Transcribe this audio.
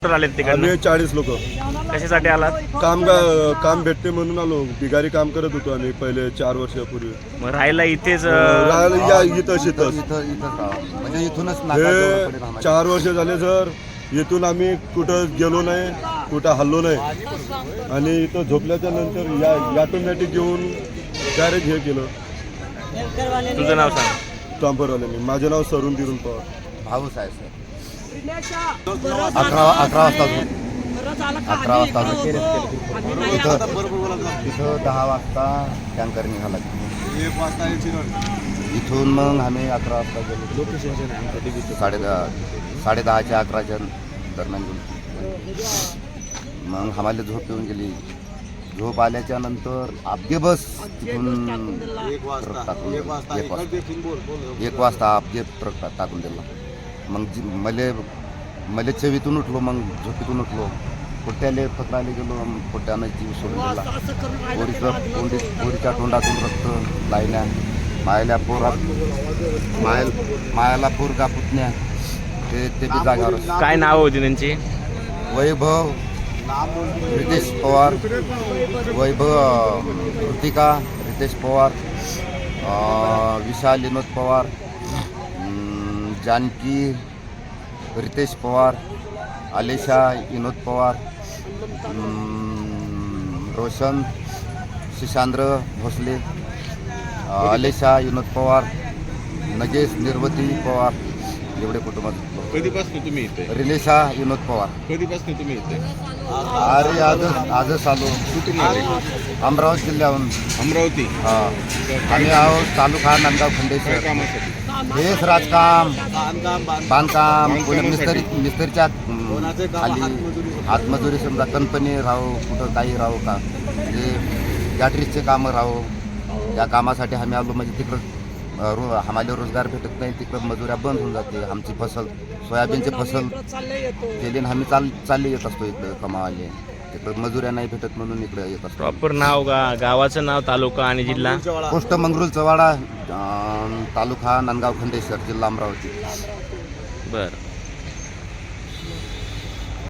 आलेत तिकडनं? आम्ही 40 लोक कशासाठी आलात? काम भेटते म्हणून आलो. बिगारी काम करत होतो आम्ही पहिले 4 वर्षापूर्वी. मग राहायला इथेच राहायला या इथं शेतच. म्हणजे इथूनच हे 4 वर्ष झाले सर. इथून आम्ही कुठं गेलो नाही, कुठं हल्लो नाही. आणि इथं झोपल्याच्या नंतर या ऑटोमॅटिक घेऊन डायरेक्ट हे केलं. तुझं नाव सांग. चांपरवाल्याने. माझं नाव सरून दिरून पवार. भाऊच आहे सर. 11 वाजता 11 वाजता तिथं 10 वाजता टँकर निघाला. इथून मग आम्ही 11 वाजता गेलो. 10:30च्या 11च्या दरम्यान गेलो. मग आम्हाला झोप येऊन गेली. झोप आल्याच्या नंतर आपगे बस तिथून 1 वाजता आपगे ट्रक टाकून दिला. मग मले चवीतून उठलो. मग झोपेतून उठलो. पोट्याले पकडायला गेलो. पोट्यानं जीव सोडून दिला. पोरीच्या तोंडातून रक्त लायल्या. मायाला पोरगा पुतण्या ते बी जागावर. काय नाव होती त्यांची? वैभव रितेश पवार, वैभव कृतिका रितेश पवार, विशाल विनोद पवार, जानकी रितेश पवार, आलेशा विनोद पवार, रोशन शिशांद्र भोसले, आलेशा विनोद पवार, नगेश निर्वती पवार. एवढे कुटुंबात. कधीपासून तुम्ही इथे? रिलेशा विनोद पवार. कधीपासून तुम्ही इथे? अरे आजच आलो. कुठून आले? अमरावती जिल्ह्याहून. अमरावती. हा. आम्ही आहोत तालुका नांदगाव काय खंडेश्वर. कामासाठी? हेच राजकाम, बांधकाम, मिस्त्रीच्या खाली हातमजुरी. समजा कंपनी राहू, कुठं काही राहू का, म्हणजे गॅटरीजचे कामं राहू. या कामासाठी आम्ही आलो. म्हणजे तिकडं आम्हाला रोजगार भेटत नाही. तिकडं मजुऱ्या बंद होऊन जाते. आमची फसल सोयाबीनची फसल केली आम्ही चालले येत असतो इकडं कमावाले. तिकडं मजुऱ्या नाही भेटत म्हणून इकडे येत असतो. प्रॉपर नाव गावाचं नाव, तालुका आणि जिल्हा? पोस्ट मंगरुळ चवाडा, तालुका नांदगाव खंडेश्वर, जिल्हा अमरावती. बरं.